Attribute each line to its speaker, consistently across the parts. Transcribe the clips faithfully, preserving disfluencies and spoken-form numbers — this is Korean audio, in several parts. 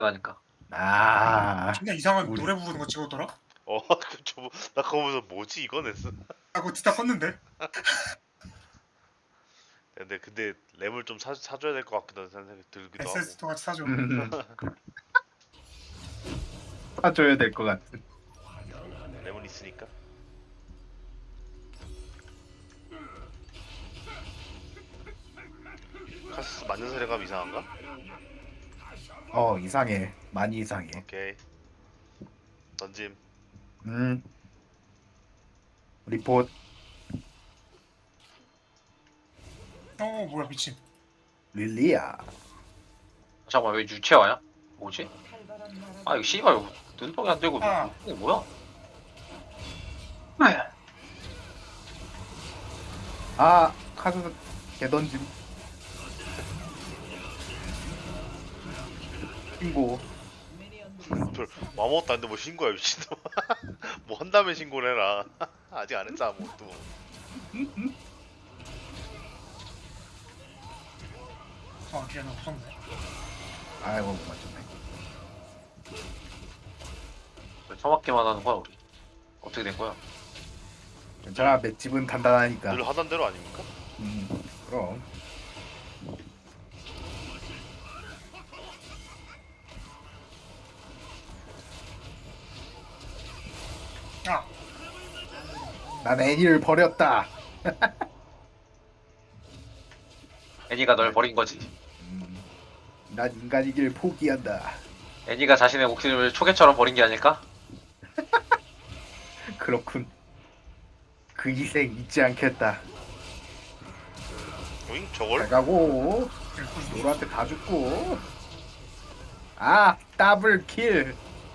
Speaker 1: 그러니까.
Speaker 2: 아,
Speaker 3: 존나 이상한
Speaker 2: 우리-
Speaker 3: 노래 부르는 거 찍었더라?
Speaker 4: 어, 저, 나 그거 보면서 뭐지 이건 했어.
Speaker 3: 아 그거 듣다 껐는데?
Speaker 4: 근데 근데 램을 좀 사, 사줘야 될 것 같기도 하는 생각이 들기도 하고.
Speaker 3: 에스에스도 같이 사줘.
Speaker 2: 음. 사줘야 될 것 같은.
Speaker 4: 램은 있으니까. 카스 맞는 사례감 이상한가?
Speaker 2: 어, 이상해. 많이 이상해.
Speaker 4: 오케이. 던짐.
Speaker 2: 음. 리포트.
Speaker 3: 어 뭐야 미친.
Speaker 2: 릴리야.
Speaker 1: 잠깐만 왜 유채화야? 뭐지? 아 이거 씨발 이거 눈동이 안 되고
Speaker 3: 아.
Speaker 1: 이게 뭐야? 네.
Speaker 2: 아, 카드 개던짐. 신고.
Speaker 4: 별 아무것도 안 돼 뭐 신고야 미친놈. 뭐 한다면 신고를 해라. 아직 안 했어 아무것도.
Speaker 3: 아 걔는 없었네.
Speaker 2: 아이고, 못 맞췄네.
Speaker 1: 왜 처맞기만 하는 거야 우리? 어떻게 된 거야?
Speaker 2: 괜찮아, 맷집은 단단하니까.
Speaker 4: 늘 하던 대로 아닙니까?
Speaker 2: 음, 그럼.
Speaker 3: 아
Speaker 2: 난 애니를 버렸다.
Speaker 1: 애니가 널 버린 거지.
Speaker 2: 음, 난 인간이길 포기한다.
Speaker 1: 애니가 자신의 목숨을 초계처럼 버린 게 아닐까?
Speaker 2: 그렇군. 그 희생 잊지 않겠다.
Speaker 4: 오잉
Speaker 2: 잘
Speaker 4: 저걸?
Speaker 2: 가고 노라한테 다 죽고. 아, 더블 킬.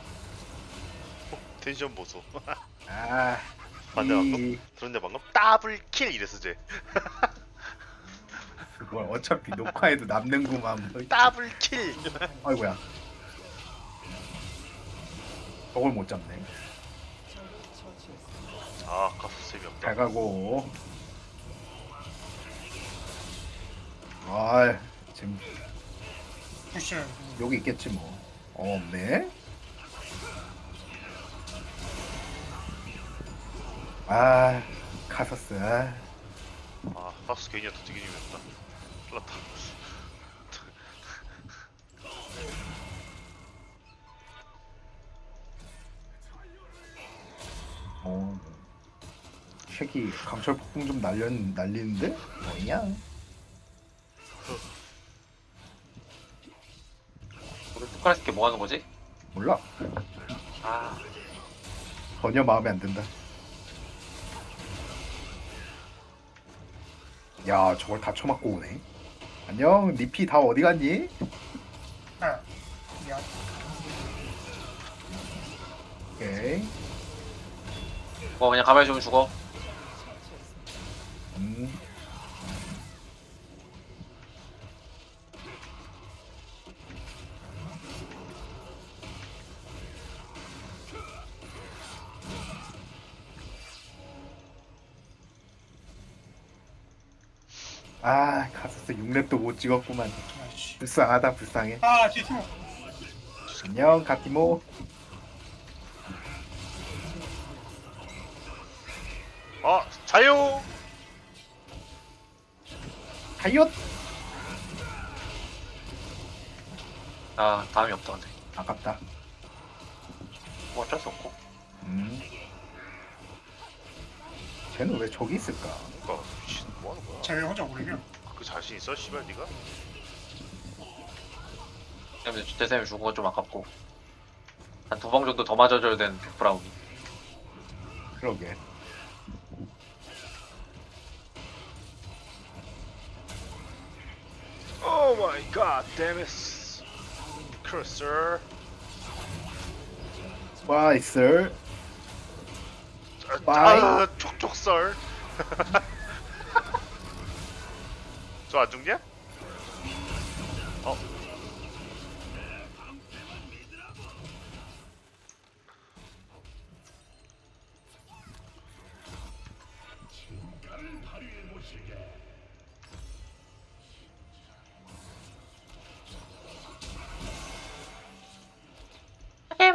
Speaker 4: 텐션 보소.
Speaker 2: 아,
Speaker 4: 맞네 방금?
Speaker 2: 이
Speaker 4: 들었냐 방금? 더블 킬 이랬어 쟤.
Speaker 2: 그걸 어차피 녹화해도 남는구만. 뭐.
Speaker 4: 더블 킬.
Speaker 2: 아이고야. 저걸 못 잡네.
Speaker 4: 아 가수 재미없다.
Speaker 2: 잘 가고. 아, 지금
Speaker 3: 푸시.
Speaker 2: 여기 있겠지 뭐. 어, 없네. 아, 카서스. 아,
Speaker 4: 아 가수 괜히였다 되게 재미없다. 큰일났다.
Speaker 2: 어. 쉐기 강철 폭풍 좀 날려 날리는데? 뭐냐?
Speaker 1: 우리 투카레스키 뭐 하는 거지?
Speaker 2: 몰라.
Speaker 1: 아
Speaker 2: 전혀 마음에 안 든다. 야, 저걸 다 쳐맞고 오네. 안녕, 니피 다 어디 갔니?
Speaker 3: 아 미안.
Speaker 2: 오케이.
Speaker 1: 그거 그냥 가만히 좀 죽어.
Speaker 2: 음. 아, 카서스 육 렙도 못 찍었구만.
Speaker 3: 아이씨.
Speaker 2: 불쌍하다, 불쌍해.
Speaker 3: 아 뒤에 팀.
Speaker 2: 안녕, 가티모.
Speaker 4: 아 자유.
Speaker 2: 하이엇!
Speaker 1: 아 다음이 없다 근데.
Speaker 2: 아깝다.
Speaker 1: 뭐 어쩔 수 없고.
Speaker 2: 음. 쟤는 왜 저기 있을까?
Speaker 4: 그니까 미친 뭐 하는 거야?
Speaker 3: 쟤왜 혼자 오르냐?
Speaker 4: 그 자신 있어 씨발 니가?
Speaker 1: 근데 대쌤이 죽은 건 좀 아깝고. 한 두 방 정도 더 맞아줘야 되는 브라운이.
Speaker 2: 그러게.
Speaker 4: Oh my god damn it. Cursor.
Speaker 2: 와이슬.
Speaker 4: 아, 아 촉촉설. 저 안 죽냐? 어.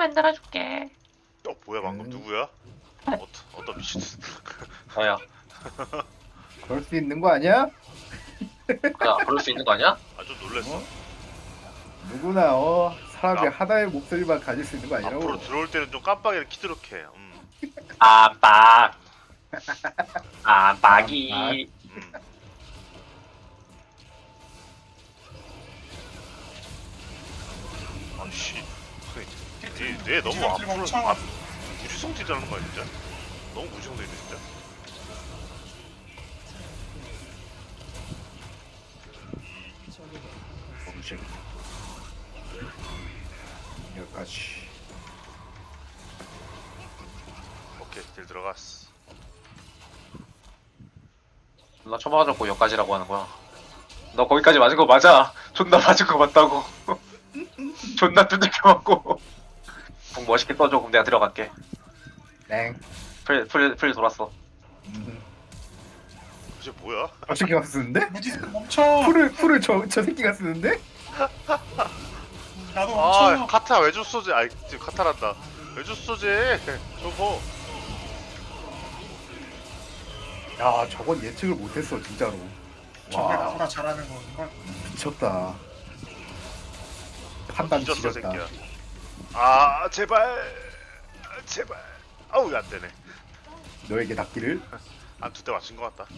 Speaker 1: 만들어줄게.
Speaker 4: 어 뭐야 방금
Speaker 2: 음.
Speaker 4: 누구야? 어, 어떤 미친
Speaker 1: 아야,
Speaker 2: 그럴 수 있는 거 아니야?
Speaker 1: 야, 그럴 수 있는 거 아니야?
Speaker 4: 아주 놀랬어.
Speaker 2: 어? 누구나 어 사람이
Speaker 4: 아.
Speaker 2: 하나의 목소리만 가질 수 있는 거 아니라고.
Speaker 4: 앞으로 들어올 때는 좀 깜빡이를 키도록 해. 음.
Speaker 1: 안빡. 안빡이.
Speaker 4: 음. 아씨, 얘, 얘 너무
Speaker 3: 지금
Speaker 4: 앞으로
Speaker 3: 엄청
Speaker 4: 앞, 무지성질하는 거야 진짜. 너무 무지성질이네 진짜.
Speaker 2: 멈춰. 여기까지.
Speaker 4: 오케이, 딜 들어갔어.
Speaker 1: 나 처맞았고 여기까지라고 하는 거야. 너 거기까지 맞은 거 맞아. 존나 맞은 거 맞다고. 존나 두들겨 맞고. 공 멋있게 떠줘. 그럼 내가 들어갈게.
Speaker 2: 땡.
Speaker 1: 풀, 풀, 풀 돌았어.
Speaker 2: 음.
Speaker 4: 이제 뭐야?
Speaker 2: 저 새끼가 쓰는데?
Speaker 3: 무지 멈춰.
Speaker 2: 풀을 풀을 저 저 새끼가 쓰는데?
Speaker 3: 나도
Speaker 4: 아,
Speaker 3: 멈춰.
Speaker 4: 카타 왜 줬어 쟤? 아이, 지금 카타란다. 왜 줬어 쟤? 저거.
Speaker 2: 야 저건 예측을 못했어 진짜로.
Speaker 3: 저게
Speaker 2: 와
Speaker 3: 나보다 잘하는 거 이걸
Speaker 2: 미쳤다. 판단
Speaker 4: 뒤졌어
Speaker 2: 지렸다.
Speaker 4: 새끼야. 아, 제발, 제발. 아우, 안 되네.
Speaker 2: 너에게 닿기를.
Speaker 4: 한 두 대 맞춘 것 같다.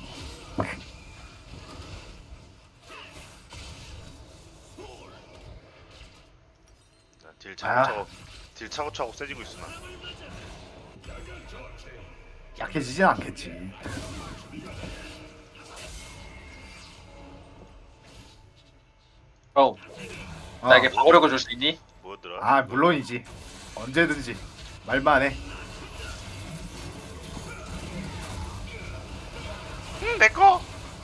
Speaker 4: 자, 딜 차고차고, 딜 차고차고 세지고 있어 나.
Speaker 2: 약해지진 않겠지.
Speaker 1: 어,
Speaker 2: 어.
Speaker 1: 나에게 방어력을 줄 수 있니?
Speaker 4: 뭐였더라?
Speaker 2: 아 물론이지. 언제든지 말만 해.
Speaker 4: 응, 내 거.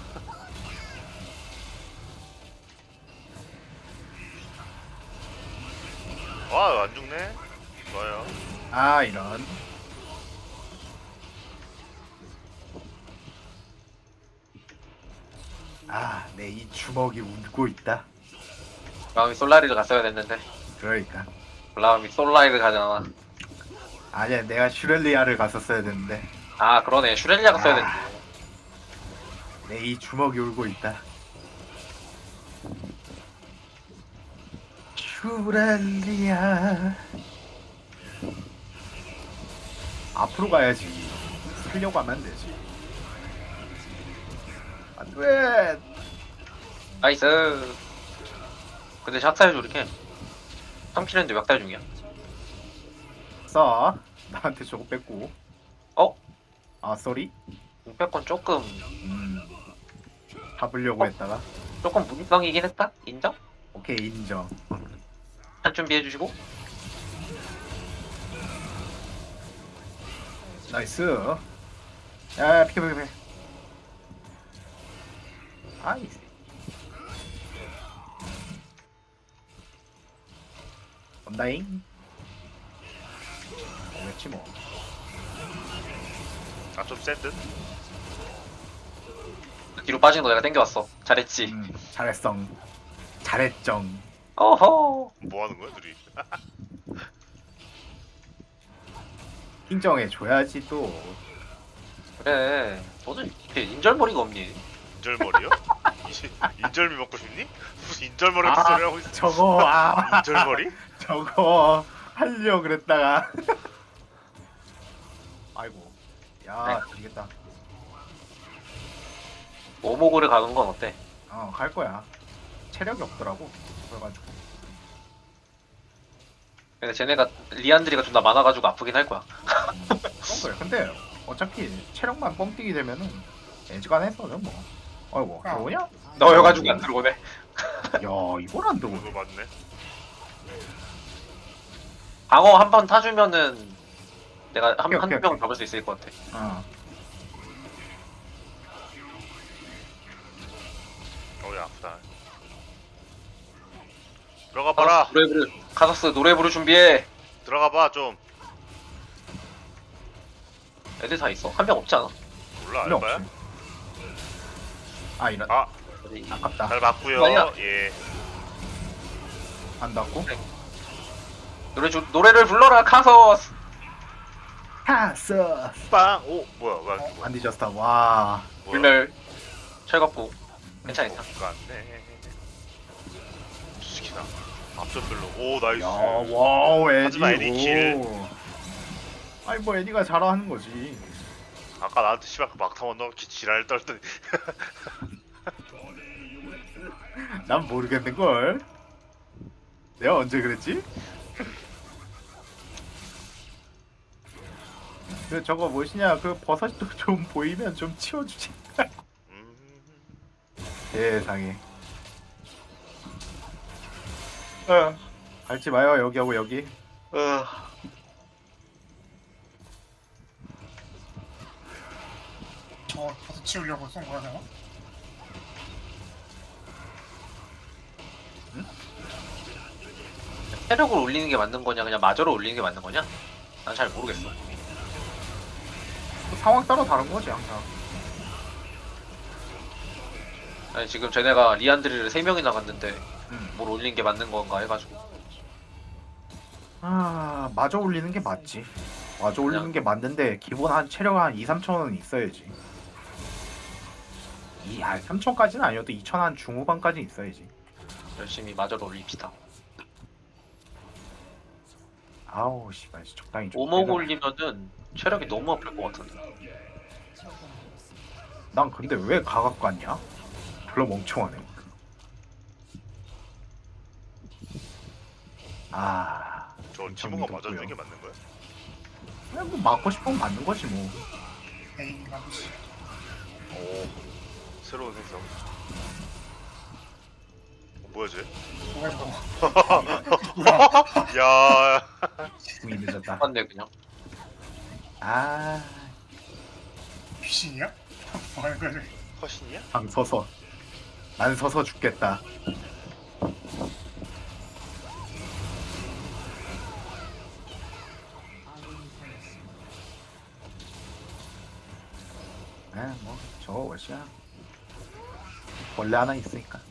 Speaker 4: 와, 안 죽네. 좋아요.
Speaker 2: 아 이런. 아 내 이 주먹이 울고 있다.
Speaker 1: 마음이 솔라리를 갔어야 됐는데.
Speaker 2: 그러니까.
Speaker 1: 마음이 솔라리를 가잖아.
Speaker 2: 아니야 내가 슈렐리아를 갔었어야 됐는데
Speaker 1: 아, 그러네. 슈렐리아 갔어야
Speaker 2: 아.
Speaker 1: 됐는데.
Speaker 2: 내 이 주먹이 울고 있다. 슈렐리아. 앞으로 가야지. 살려고 하면 안 되지. 안돼.
Speaker 1: 나이스. 근데 샷사해줘 이렇게. 삼 킬했는데 몇 달 중이야.
Speaker 2: 써. 나한테 저거 뺏고.
Speaker 1: 어?
Speaker 2: 아 쏘리.
Speaker 1: 공패권 조금
Speaker 2: 음. 잡으려고
Speaker 1: 어?
Speaker 2: 했다가.
Speaker 1: 조금 무기성이긴 했다? 인정?
Speaker 2: 오케이 인정.
Speaker 1: 한 준비해주시고.
Speaker 2: 나이스. 야 피켜 피켜 피켜. 아이. 온다잉. 그렇지 뭐.
Speaker 4: 아, 좀 센 듯?
Speaker 1: 뒤로 빠진 거 내가 땡겨왔어. 잘했지.
Speaker 2: 음, 잘했어. 잘했정.
Speaker 1: 어허.
Speaker 4: 뭐 하는 거야, 둘이?
Speaker 2: 인정해 줘야지 또.
Speaker 1: 그래. 너는 이렇게 인절머리가 없니?
Speaker 4: 인절머리요? 이- 인절미 먹고 싶니? 무슨 인절머리
Speaker 2: 아,
Speaker 4: 같은 소리 하고 있어.
Speaker 2: 저거 아
Speaker 4: 인절머리?
Speaker 2: 저거 하려 그랬다가. 아이고. 야 되겠다.
Speaker 1: 오목을 가는 건 어때?
Speaker 2: 어 갈 거야. 체력이 없더라고. 그래가지고.
Speaker 1: 근데 쟤네가 리안드리가 존나 많아가지고 아프긴 할 거야.
Speaker 2: 음, 그런 거야. 근데 어차피 체력만 뻥뛰기 되면은 애지간해서 뭐. 아이고
Speaker 3: 아.
Speaker 2: 들어오냐?
Speaker 1: 넣어가지고 안 들어오네.
Speaker 2: 야 이걸 안 들어오네.
Speaker 4: 그거 맞네.
Speaker 1: 방어 한 번 타주면은 내가 한,
Speaker 2: 오케이,
Speaker 1: 한두
Speaker 2: 오케이,
Speaker 1: 명
Speaker 2: 오케이.
Speaker 1: 잡을 수 있을 것 같아.
Speaker 2: 어.
Speaker 4: 어야 아프다. 들어가 봐라.
Speaker 1: 노래 부르, 카사스 노래 부를 준비해.
Speaker 4: 들어가 봐 좀.
Speaker 1: 애들 다 있어. 한 명 없지 않아?
Speaker 4: 몰라
Speaker 2: 필요
Speaker 4: 알바야?
Speaker 2: 없지. 아 이런.
Speaker 4: 아,
Speaker 1: 어디-
Speaker 2: 아깝다.
Speaker 4: 잘 맞고요.
Speaker 1: 아니야.
Speaker 4: 예.
Speaker 2: 안 닿고.
Speaker 1: 노래 주, 노래를 불러라 카서스.
Speaker 2: 카스
Speaker 4: 빵! 오 뭐야 뭐야 뭐야
Speaker 2: 안 뒤졌다. 와
Speaker 1: 불멸 철갑부 괜찮아 괜찮아.
Speaker 4: 똑같네 스키나 앞전별로 오 나이스
Speaker 2: 야, 와우 에디.
Speaker 4: 하지만 에디 킬.
Speaker 2: 오. 아니 뭐 에디가 잘하는 거지.
Speaker 4: 아까 나한테 씨발 그 막타만 넣기 지랄 떨더니
Speaker 2: 난 모르겠는 걸. 내가 언제 그랬지? 그 저거 무엇이냐? 그 버섯도 좀 보이면 좀 치워주지.
Speaker 4: 음...
Speaker 2: 세상에. 어. 밟지 마요 여기하고 여기.
Speaker 1: 어.
Speaker 3: 저 버섯 치우려고 쏜 거야 내가?
Speaker 1: 체력을 올리는 게 맞는 거냐 그냥 마저로 올리는 게 맞는 거냐? 난 잘 모르겠어.
Speaker 2: 상황 따라 다른 거지 항상.
Speaker 1: 아니 지금 쟤네가 리안드리를 세 명이나 갔는데
Speaker 2: 음.
Speaker 1: 뭘 올리는 게 맞는 건가 해가지고.
Speaker 2: 아 마저 올리는 게 맞지. 마저 올리는
Speaker 1: 그냥-
Speaker 2: 게 맞는데 기본 한 체력 한 이, 삼천 원은 있어야지. 이, 아 삼천까지는 아니어도 이천 한 중후반까지 있어야지.
Speaker 1: 열심히 마저로 올립시다.
Speaker 2: 아우 씨발 적당히 좀.
Speaker 1: 오목
Speaker 2: 해라.
Speaker 1: 올리면은 체력이 너무 아플 것 같은데.
Speaker 2: 난 근데 왜 가각 갔냐? 별로 멍청하네. 아,
Speaker 4: 저
Speaker 2: 엄청
Speaker 4: 티모가
Speaker 2: 믿었고요.
Speaker 4: 맞아주는 게 맞는 거야?
Speaker 2: 그냥 뭐 맞고 싶으면 맞는 거지 뭐.
Speaker 3: 에이 맞지.
Speaker 4: 오 새로운 생성 어, 뭐야 쟤?
Speaker 3: 뭐야 저거. 뭐야?
Speaker 4: 야
Speaker 2: 이미 늦었다.
Speaker 1: 맞네 그냥.
Speaker 2: 아,
Speaker 3: 귀신이야? 뭐 하는 거야 저기.
Speaker 4: 컷이냐?
Speaker 2: 방 서서. 난 서서 죽겠다. 아, 뭐 저거 월시야. 원래 하나 있으니까.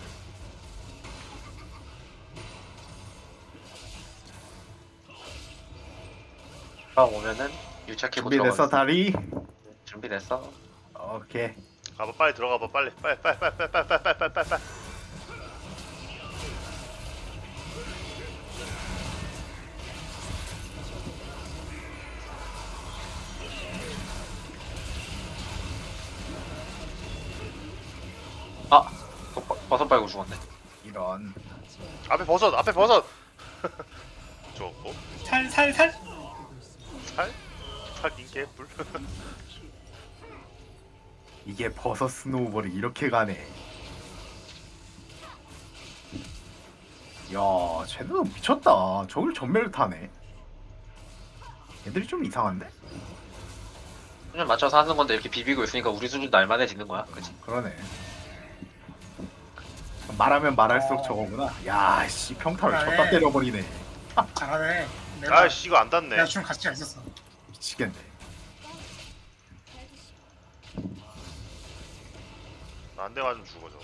Speaker 1: 아 오면은 유차 키고
Speaker 2: 준비됐어
Speaker 1: 들어가.
Speaker 2: 다리?
Speaker 1: 준비됐어.
Speaker 2: 오케이.
Speaker 4: 가봐 빨리 들어가봐 빨리 빨리 빨리 빨리 빨리 빨리 빨리 빨리 빨리 빨리
Speaker 1: 아 버- 버- 버섯 빨고 죽었네.
Speaker 2: 이런.
Speaker 4: 앞에 버섯 앞에 버섯 좋고
Speaker 3: 살살살.
Speaker 4: 살? 살긴 개뿔
Speaker 2: 이게 버섯 스노우볼이 이렇게 가네. 야, 쟤는 미쳤다. 저길 전멸을 타네. 애들이 좀 이상한데?
Speaker 1: 수준 맞춰서 하는 건데 이렇게 비비고 있으니까 우리 수준도 알만해지는 거야, 그치?
Speaker 2: 그러네. 말하면 말할수록
Speaker 3: 어.
Speaker 2: 저거구나. 야, 씨 평타를
Speaker 3: 그래.
Speaker 2: 쳤다 때려버리네.
Speaker 3: 잘하네. 내가
Speaker 4: 아이씨 이거 안 닿네
Speaker 3: 내가 좀 가치가 있었어.
Speaker 2: 미치겠네.
Speaker 4: 나 한 대 맞으면 죽어 저거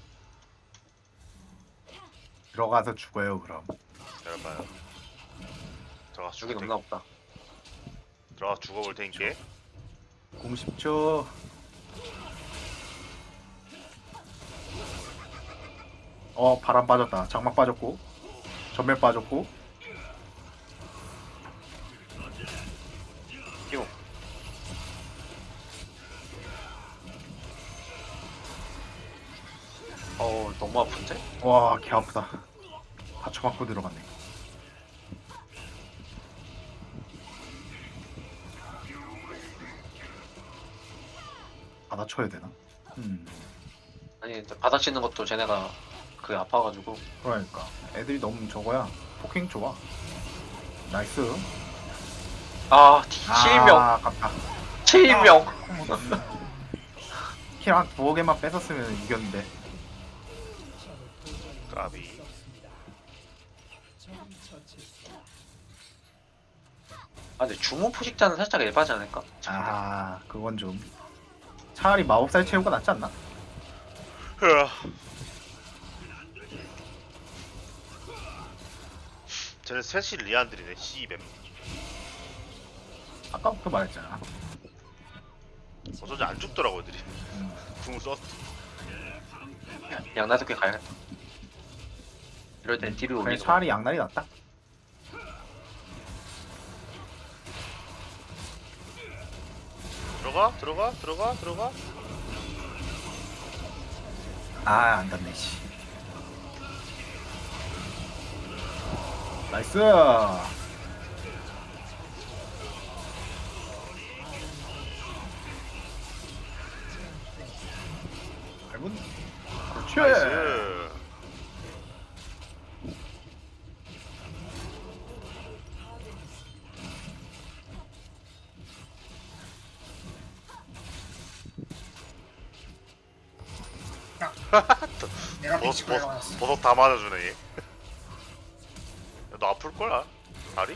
Speaker 2: 들어가서 죽어요 그럼.
Speaker 4: 기다려봐요 들어가서
Speaker 1: 죽이
Speaker 4: 죽을
Speaker 1: 없나
Speaker 4: 테니까
Speaker 1: 보다.
Speaker 4: 들어가서 죽어볼 테니까
Speaker 2: 공 십 초. 어 바람 빠졌다. 장막 빠졌고 전멸 빠졌고.
Speaker 1: 끼고. 어 너무 아픈데?
Speaker 2: 와 개 아프다. 다쳐맞고 들어갔네. 받아쳐야 되나? 음
Speaker 1: 아니 받아치는 것도 쟤네가 그게 아파가지고.
Speaker 2: 그러니까 애들이 너무 저거야. 포킹 좋아. 나이스.
Speaker 1: 아 칠명
Speaker 2: 아, 아깝다.
Speaker 1: 칠명
Speaker 2: 킬한 두어 개만 뺏었으면 이겼는데.
Speaker 4: 까비
Speaker 1: 아 근데 주문 포식자는 살짝 예바지 않을까?
Speaker 2: 아 그건 좀 차라리 마법살 채우가 낫지 않나?
Speaker 4: 흐아. 쟤네 셋이 리안들이네. 씨뱀.
Speaker 2: 아까부터 말했잖아.
Speaker 4: 어쩐지 안 죽더라고 애들이.
Speaker 2: 음.
Speaker 4: 궁을 썼.
Speaker 1: 양나석에 가야겠다. 이럴 땐 딜을
Speaker 2: 그래
Speaker 1: 올리는
Speaker 2: 차라리 양날이 낫다.
Speaker 4: 들어가 들어가 들어가 들어가.
Speaker 2: 아안 닿네 씨. 나이스. 밟은. 그렇지.
Speaker 4: 나이스.
Speaker 3: 내가
Speaker 4: 버섯
Speaker 3: 빅치고
Speaker 4: 버섯
Speaker 3: 올라갔어.
Speaker 4: 버섯 다 맞아주네 얘. 야, 너 아플 거야 다리?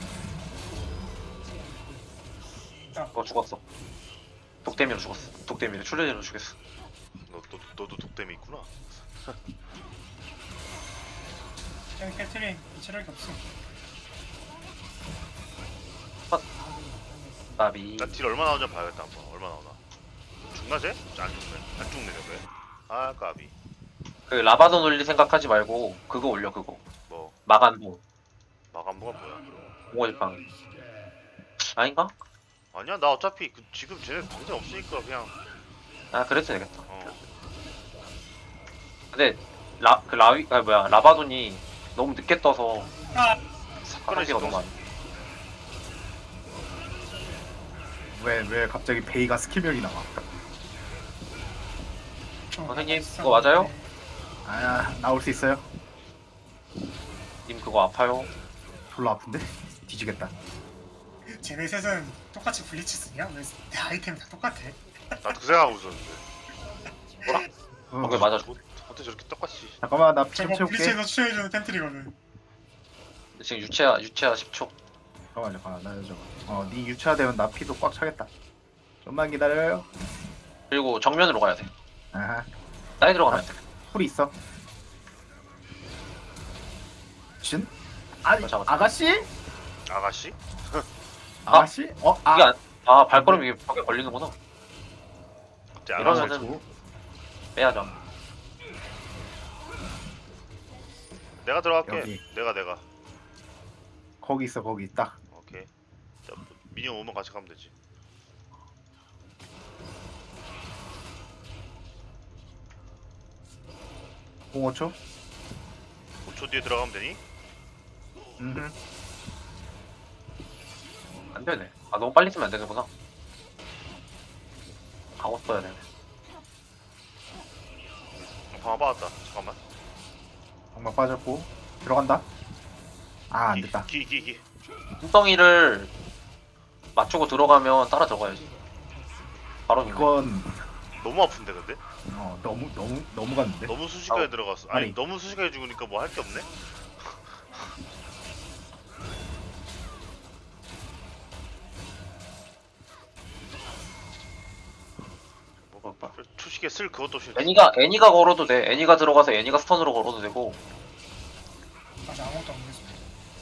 Speaker 1: 거 죽었어. 독대미로 죽었어. 독대미로 출혈로 죽였어.
Speaker 4: 너, 너 너도 독댐이 있구나.
Speaker 3: 여기 캐트린 체력이 없어.
Speaker 1: 나비.
Speaker 4: 나 딜 얼마 나오냐 봐야겠다 한번. 얼마 나오나. 죽나 쟤? 안 죽네. 안 죽네 저게. 아 까비.
Speaker 1: 그 라바돈 올릴 생각하지 말고 그거 올려 그거.
Speaker 4: 뭐
Speaker 1: 마간보.
Speaker 4: 마감부가 뭐야?
Speaker 1: 공호지팡. 아닌가?
Speaker 4: 아니야 나 어차피 그, 지금 쟤네 당장 없으니까 그냥
Speaker 1: 아 그래도 되겠다.
Speaker 4: 어.
Speaker 1: 근데 라 그 라위 아 뭐야 라바돈이 너무 늦게 떠서
Speaker 3: 아,
Speaker 1: 사라지가 너무 많아.
Speaker 2: 왜왜 갑자기 베이가 스킬명이 나와?
Speaker 3: 저
Speaker 1: 선생님,
Speaker 3: 있었는데.
Speaker 1: 그거 맞아요?
Speaker 2: 아 나올 수 있어요?
Speaker 1: 님 그거 아파요?
Speaker 2: 졸라 아픈데? 뒤지겠다.
Speaker 3: 쟤네 셋은 똑같이 블리치 쓰냐? 왜 내 아이템이 다 똑같아?
Speaker 4: 나도 그 생각하고 있었는데.
Speaker 2: 어.
Speaker 1: 거기 맞아.
Speaker 4: 어, 어떻게 저렇게 똑같이.
Speaker 2: 잠깐만 나 피 좀
Speaker 3: 저거
Speaker 2: 채울게.
Speaker 3: 블리치에서 추천해주는 템트리거든.
Speaker 1: 지금 유채야 유채야 십 초.
Speaker 2: 잠깐만 잠깐만 나 저거. 어네 유차되면 나 피도 꽉 차겠다. 좀만 기다려요.
Speaker 1: 그리고 정면으로 가야 돼.
Speaker 2: 아하.
Speaker 1: 사이드로 가면 안 돼.
Speaker 2: 풀이 있어. 진? 아니
Speaker 1: 어, 잡았어.
Speaker 2: 아가씨?
Speaker 4: 아가씨?
Speaker 2: 아가씨? 어? 아
Speaker 1: 이게 안, 아 발걸음 이게 벽에 걸리는구나.
Speaker 4: 쟤 아가씨.
Speaker 1: 이러면은 빼야죠.
Speaker 4: 내가 들어갈게.
Speaker 2: 여기.
Speaker 4: 내가 내가.
Speaker 2: 거기 있어 거기 딱.
Speaker 4: 오케이. 자, 미니언 오면 같이 가면 되지.
Speaker 2: 공오 초?
Speaker 4: 오 초 뒤에 들어가면 되니?
Speaker 2: 음.
Speaker 1: 안 되네. 아 너무 빨리 쓰면 안 되는구나. 가고 써야 되네.
Speaker 4: 어, 방아 받았다. 잠깐만.
Speaker 2: 정말 빠졌고 들어간다. 아 안 됐다.
Speaker 4: 기, 기, 기.
Speaker 1: 뚱덩이를 맞추고 들어가면 따라 들어가야지. 바로 이거.
Speaker 2: 이건
Speaker 4: 너무 아픈데 근데?
Speaker 2: 어 너무 너무 너무 갔는데.
Speaker 4: 너무 순식간에
Speaker 1: 아우.
Speaker 4: 들어갔어. 아니,
Speaker 2: 아니.
Speaker 4: 너무 순식간에 죽으니까 뭐 할 게 없네? 뭐,
Speaker 1: 볼까?
Speaker 4: 초식에 쓸 그것도 없이
Speaker 1: 애니가 애니가 걸어도 돼. 애니가 들어가서 애니가 스턴으로 걸어도 되고.
Speaker 3: 맞아, 아무것도 안 됐어.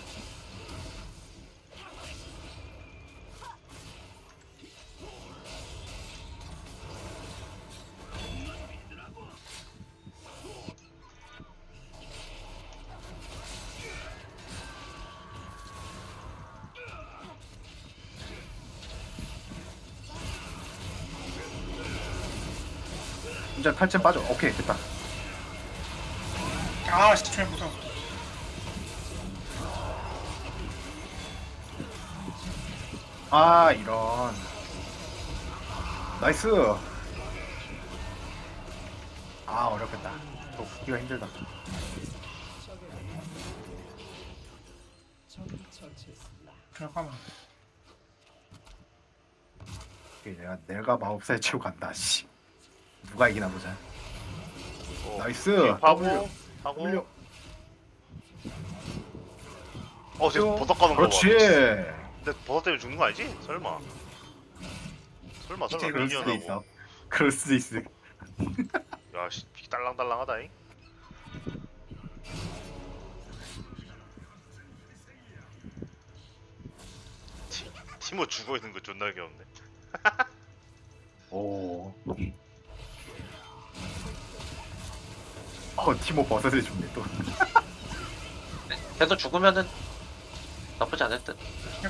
Speaker 2: 진짜 탈진 빠져. 오케이 됐다.
Speaker 3: 아, 씨, 저 무서워.
Speaker 2: 아 이런. 나이스. 아 어렵겠다. 또 붙기가 힘들다.
Speaker 3: 잠깐만.
Speaker 2: 오케이, 내가 내가 마법사에 치고 간다. 씨. 누가 이기나 보자.
Speaker 4: 어,
Speaker 2: 나이스.
Speaker 4: 하고
Speaker 2: W.
Speaker 4: 하고
Speaker 2: W.
Speaker 4: 어, 쟤 버섯 가는 거 봐.
Speaker 2: 그렇지.
Speaker 4: 근데 버섯 때문에 죽는 거 아니지? 설마. 설마 설마
Speaker 2: 그럴 수도 있어.
Speaker 4: 미니언하고.
Speaker 2: 그럴 수도 있어.
Speaker 4: 야, 씨, 피 딸랑딸랑하다잉. 티모 죽어 있는 거 존나 귀엽네.
Speaker 2: 오. 어 티모 버섯을 줍네 또.
Speaker 1: 걔도 죽으면은 나쁘지 않을 듯.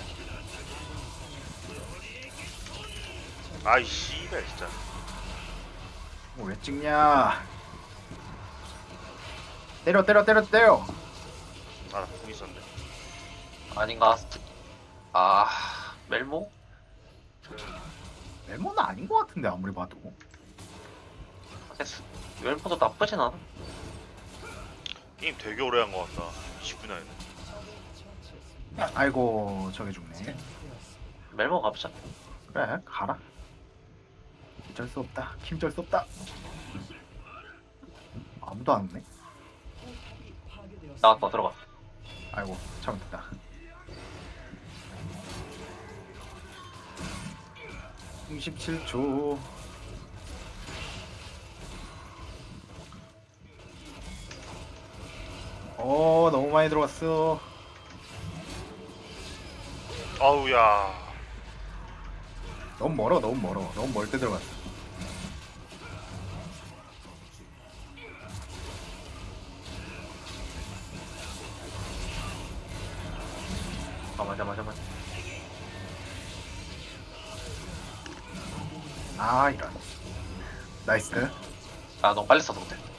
Speaker 4: 아이 씨발 진짜.
Speaker 2: 어, 왜 찍냐? 때려 때려 때려 때려.
Speaker 4: 아나궁 있었네.
Speaker 1: 아닌가? 아 멜모?
Speaker 2: 멜모는 아닌 것 같은데 아무리 봐도.
Speaker 1: 됐어. 멜모도 나쁘진 않아.
Speaker 4: 게임 되게 오래 한 거 같다. 이십 분이나 했네.
Speaker 2: 아이고 저게 죽네.
Speaker 1: 멜모 가보자.
Speaker 2: 그래 가라. 어쩔 수 없다. 힘쩔 수 없다. 아무도 안 오네.
Speaker 1: 나왔다 들어가.
Speaker 2: 아이고 잘못했다. 이십칠 초. 어 너무 많이 들어갔어.
Speaker 4: 아우야.
Speaker 2: 너무 멀어 너무 멀어 너무 멀 때 들어갔어.
Speaker 1: 아 맞아 맞아 맞아.
Speaker 2: 아 이런. 나이스.
Speaker 1: 아 너무 빨리 써서 그래.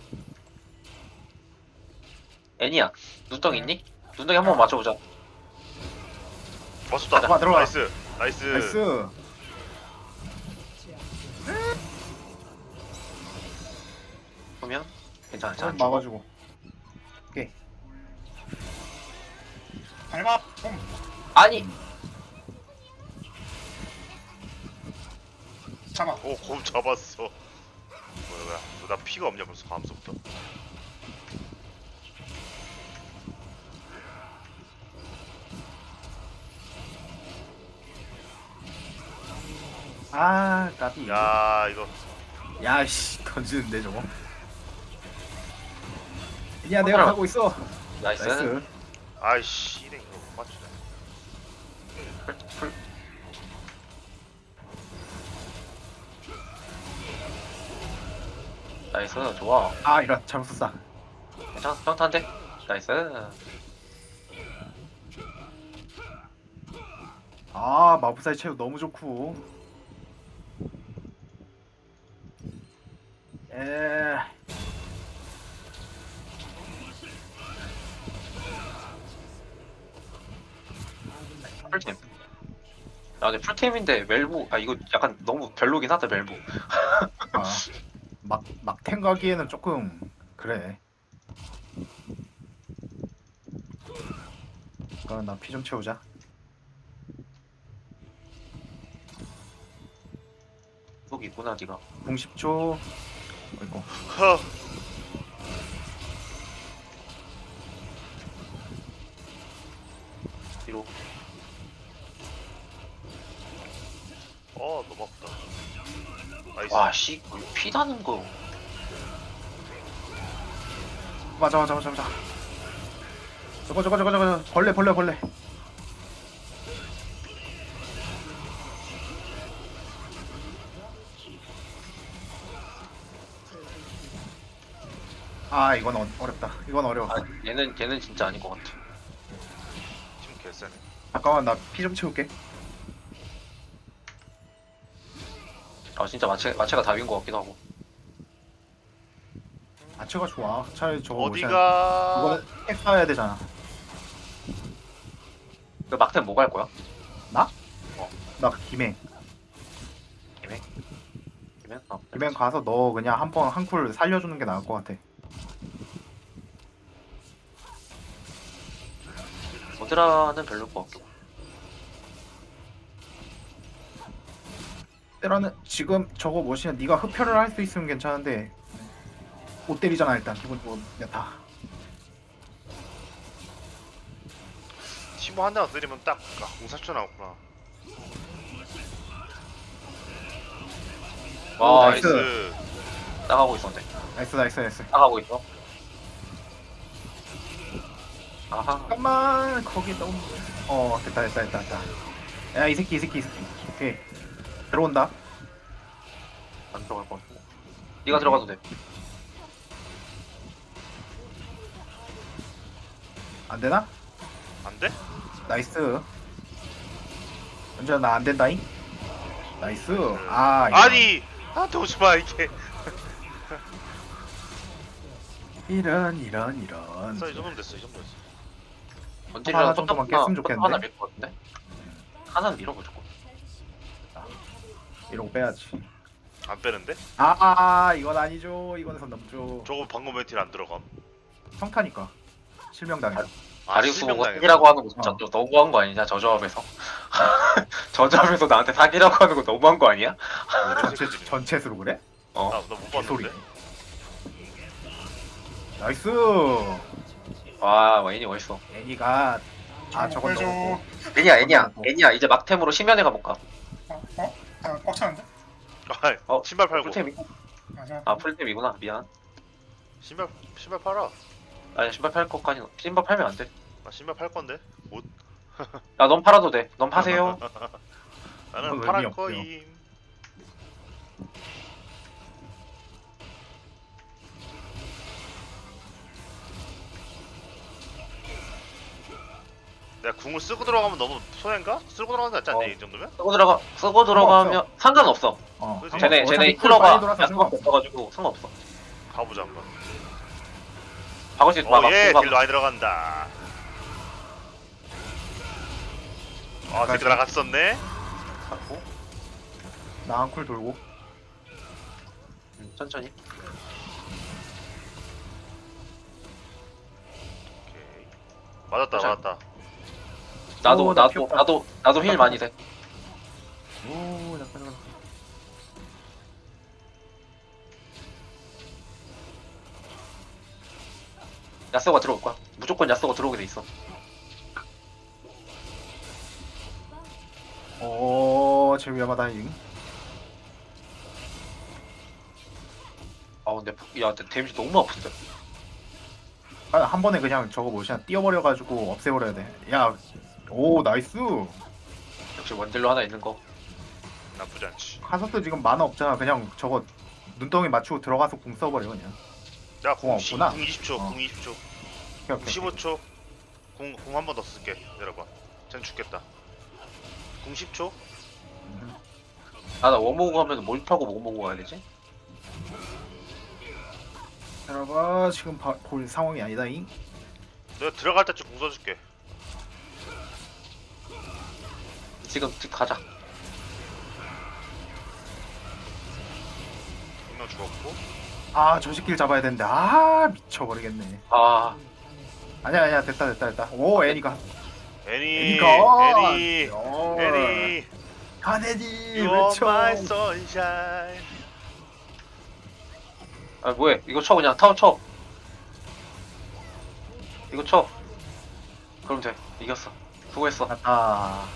Speaker 1: 애니야 눈덩이 있니? 눈덩이 한 번 맞춰보자.
Speaker 4: 맞췄다.
Speaker 2: 들어가, 들어가.
Speaker 4: 나이스. 나이스.
Speaker 2: 나이스.
Speaker 1: 보면 괜찮아
Speaker 2: 어,
Speaker 1: 괜찮아.
Speaker 2: 막아주고. 오케이.
Speaker 3: 밟아 봄
Speaker 1: 아니
Speaker 3: 잡아.
Speaker 4: 오, 곰 잡았어. 뭐야, 뭐야. 너 나 피가 없냐 벌써 감속부터.
Speaker 2: 아 까비.
Speaker 4: 야, 이거
Speaker 2: 야씨 던지는데 저거. 야 내가 하고 있어.
Speaker 1: 나이스.
Speaker 2: 나이스.
Speaker 4: 아이씨, 이래 이거 못 맞추네.
Speaker 1: 풀, 풀. 나이스 좋아.
Speaker 2: 아 이런 잘못 썼다.
Speaker 1: 괜찮아 평탄데. 나이스.
Speaker 2: 아 마법사의 체육 너무 좋고. 에.
Speaker 1: 풀팀. 아 근데 풀팀인데 멜부 아 이거 약간 너무 별로긴 하다 멜부.
Speaker 2: 아막 막탱 가기에는 조금 그래. 그럼 나 피 좀 채우자.
Speaker 1: 여기 있구나 니가.
Speaker 2: 공 십 초. 아이고.
Speaker 4: 허.
Speaker 1: 뒤로.
Speaker 4: 어, 너무 아프다. 나이스.
Speaker 1: 와씨 피 나는 거.
Speaker 2: 맞아 맞아 맞아 맞아. 저거 저거 저거 저거 벌레 벌레 벌레. 아 이건 어, 어렵다. 이건 어려워.
Speaker 1: 아 얘는 얘는 진짜 아닌 것 같아.
Speaker 4: 지금 개쎄네.
Speaker 2: 잠깐만 나 피 좀 채울게.
Speaker 1: 아 진짜 마체 마체가 답인 것 같기도 하고.
Speaker 2: 아체가 좋아. 차라리 저거 모션-
Speaker 4: 어디가?
Speaker 2: 이거는 핵 쌓아야 되잖아.
Speaker 1: 그 막템 뭐 갈 거야?
Speaker 2: 나 김행.
Speaker 1: 김행? 김행? 아,
Speaker 2: 김행 가서 너 그냥 한 번 한 쿨 살려주는 게 나을 것 같아.
Speaker 1: 모드라는 별로일 것 같고.
Speaker 2: 때라는 지금 저거 뭐시냐 네가 흡혈을 할 수 있으면 괜찮은데 못 때리잖아 일단 기본적으로 야타.
Speaker 4: 티모 한 대만 때리면 딱 아, 공사초 나왔구나.
Speaker 2: 오,
Speaker 1: 와
Speaker 2: 나이스.
Speaker 4: 나이스.
Speaker 1: 나가고 있었는데.
Speaker 2: 나이스 나이스 나이스.
Speaker 1: 나가고 있어. 아하.
Speaker 2: 잠깐만 거기 너무 어 됐다 됐다 됐다 됐다. 야 이 새끼 이 새끼 이 새끼. 오케이 들어온다.
Speaker 1: 안 들어갈 것 같고. 네가 들어가도 돼.
Speaker 2: 안 되나?
Speaker 4: 안 돼?
Speaker 2: 나이스. 먼저 나 안 된다잉. 나이스. 아 이거.
Speaker 4: 아니 나한테 오지 마 이게.
Speaker 2: 이런 이런 이런.
Speaker 4: 이 정도면 됐어 이 정도 됐어.
Speaker 1: 원딜이랑
Speaker 2: 하나 정도만 깼으면 좋겠는데?
Speaker 1: 하나 밀 것 같은데? 하나는 밀어 무조건.
Speaker 2: 이러고 빼야지.
Speaker 4: 안 빼는데?
Speaker 2: 아, 아, 아 이건 아니죠. 이건 선 넘죠.
Speaker 4: 저거 방금 멘틸 안 들어감.
Speaker 2: 평타니까 실명당해.
Speaker 4: 아,
Speaker 1: 다리우스 보고
Speaker 4: 실명당했어.
Speaker 1: 사기라고 하는 거 진짜
Speaker 2: 어.
Speaker 1: 또 너무한 거 아니냐 저 조합에서. 저 조합에서 나한테 사기라고 하는 거 너무한 거 아니야?
Speaker 2: 전체 전체수로 그래?
Speaker 1: 어.
Speaker 4: 나못
Speaker 2: 개소리.
Speaker 4: 봤는데.
Speaker 2: 나이스.
Speaker 1: 와 와인이 멋있어.
Speaker 2: 애니가 아
Speaker 3: 저거
Speaker 2: 저건
Speaker 3: 보여줘.
Speaker 2: 너무
Speaker 1: 애니야 애니야
Speaker 2: 어.
Speaker 1: 애니야 이제 막템으로 심연에 가볼까?
Speaker 3: 어? 어? 아, 꽉 차는데?
Speaker 4: 아,
Speaker 1: 어,
Speaker 4: 신발 팔고.
Speaker 1: 풀템이?
Speaker 3: 맞아.
Speaker 1: 아 풀템이구나 미안.
Speaker 4: 신발 신발 팔아.
Speaker 1: 아니 신발 팔 것까지 신발 팔면 안 돼.
Speaker 4: 나 신발 팔 건데. 옷.
Speaker 1: 야 넌 팔아도 돼. 넌 파세요.
Speaker 4: 나는
Speaker 2: 그건
Speaker 4: 팔할
Speaker 2: 의미 없고요.
Speaker 4: 거임. 내가 궁을 쓰고 들어가면 너무 손해인가? 쓰고 들어가는 게 낫지 않냐
Speaker 1: 어.
Speaker 4: 이 정도면?
Speaker 1: 쓰고 들어가 쓰고 들어가면 상관없어.
Speaker 2: 어.
Speaker 4: 그치?
Speaker 1: 쟤네
Speaker 2: 어차피
Speaker 1: 쟤네
Speaker 2: 쿨 빨리
Speaker 1: 힐러가
Speaker 2: 돌아서
Speaker 1: 야수가
Speaker 2: 상관없어.
Speaker 1: 없어가지고 상관없어.
Speaker 4: 가보자 한번.
Speaker 1: 박을 수 있어. 막아.
Speaker 4: 오예
Speaker 1: 막아.
Speaker 4: 딜 많이 들어간다. 아
Speaker 2: 여기까지.
Speaker 4: 딜 들어갔었네.
Speaker 1: 갖고
Speaker 2: 나한 쿨 돌고.
Speaker 1: 음, 천천히.
Speaker 4: 오케이. 맞았다
Speaker 1: 자.
Speaker 4: 맞았다.
Speaker 1: 나도
Speaker 2: 오, 나
Speaker 1: 나도
Speaker 2: 피었다.
Speaker 1: 나도 나도 힐 많이 돼.
Speaker 2: 오 잠깐 잠깐.
Speaker 1: 야스가 들어올 거야. 무조건 야스가 들어오게 돼 있어.
Speaker 2: 오, 제 위험하다잉.
Speaker 1: 아 근데 야 근데 데미지 너무 아픈데.
Speaker 2: 아, 한 번에 그냥 저거 뭐냐 띄워버려가지고 없애버려야 돼. 야, 오 나이스.
Speaker 1: 역시 원딜로 하나 있는 거.
Speaker 4: 나쁘지 않지.
Speaker 2: 카서스 지금 만화 없잖아. 그냥 저거 눈덩이 맞추고 들어가서 궁 써버려 그냥.
Speaker 4: 야궁
Speaker 2: 공 없구나.
Speaker 4: 궁 이십 초.
Speaker 2: 어.
Speaker 4: 궁 이십 초.
Speaker 2: 오케이,
Speaker 4: 궁
Speaker 2: 오케이.
Speaker 4: 십오 초. 궁궁 한 번 더 쓸게. 내려봐. 쟨 죽겠다. 궁 십 초.
Speaker 1: 아나 원모고 하면 뭘 타고 뭐 모고 가야 되지?
Speaker 2: 여러분 지금 바, 볼 상황이 아니다잉.
Speaker 4: 내가 들어갈 때쯤 궁 써줄게.
Speaker 1: 지금 지금 가자.
Speaker 4: 분명 죽었고.
Speaker 2: 아, 저 새끼를 잡아야 되는데. 아, 미쳐버리겠네.
Speaker 1: 아
Speaker 2: 아니야, 아니야, 됐다, 됐다, 됐다. 오, 애니가.
Speaker 4: 애니.
Speaker 2: 애니가.
Speaker 4: 애니.
Speaker 2: 어,
Speaker 4: 애니.
Speaker 2: 가네디
Speaker 4: You are
Speaker 2: 외쳐.
Speaker 4: my sunshine.
Speaker 1: 아 뭐해? 이거 쳐 그냥 타워 쳐. 이거 쳐. 그럼 돼. 이겼어. 수고했어.
Speaker 2: 갔다.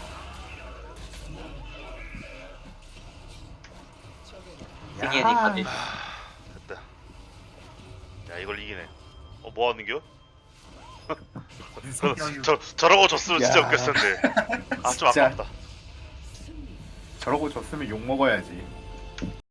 Speaker 1: 승희 애니까지.
Speaker 4: 됐다. 야 이걸 이기네. 어 뭐 하는겨? 저,
Speaker 3: 여유.
Speaker 4: 저 저러고 졌으면 진짜
Speaker 2: 야.
Speaker 4: 웃겼을 텐데. 아 좀
Speaker 2: 진짜.
Speaker 4: 아깝다.
Speaker 2: 저러고 졌으면 욕 먹어야지.